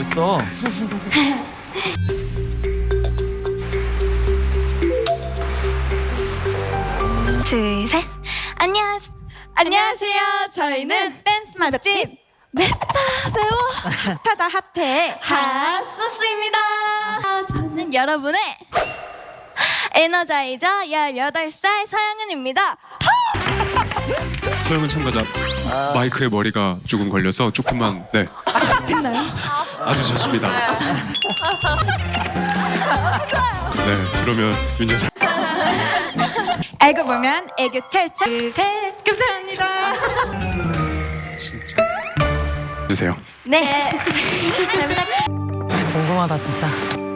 됐어. 둘, 셋. 안녕하세요. 저희는 댄스 맛집 맵다 배우 타다 핫해 핫소스입니다. 저는 여러분의 에너자이저 18살 서영은입니다. 서영은 참가자 마이크에 머리가 조금 걸려서 조금만 됐나요? 아주 좋습니다. 네, 그러면 윤재 씨 알고 보면 애교 철철. 둘, 셋. 감사합니다. 진짜 주세요. 네. 궁금하다 진짜.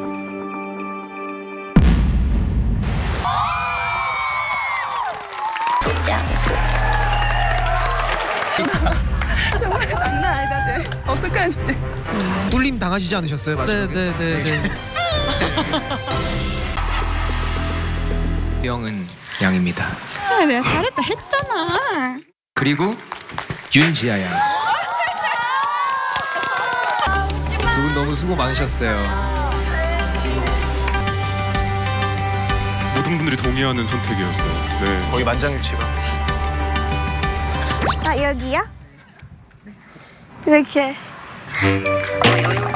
장난 아니다 쟤. 어떡하지 쟤. 뚫림 당하시지 않으셨어요? 마지막에? 네네네. 영은 양입니다. 내가 잘했다 했잖아. 그리고 윤지아 양. 두 분 너무 수고 많으셨어요. 모든 분들이 동의하는 선택이었어요. 네. 거의 만장일치가. 아 여기요? 이렇게.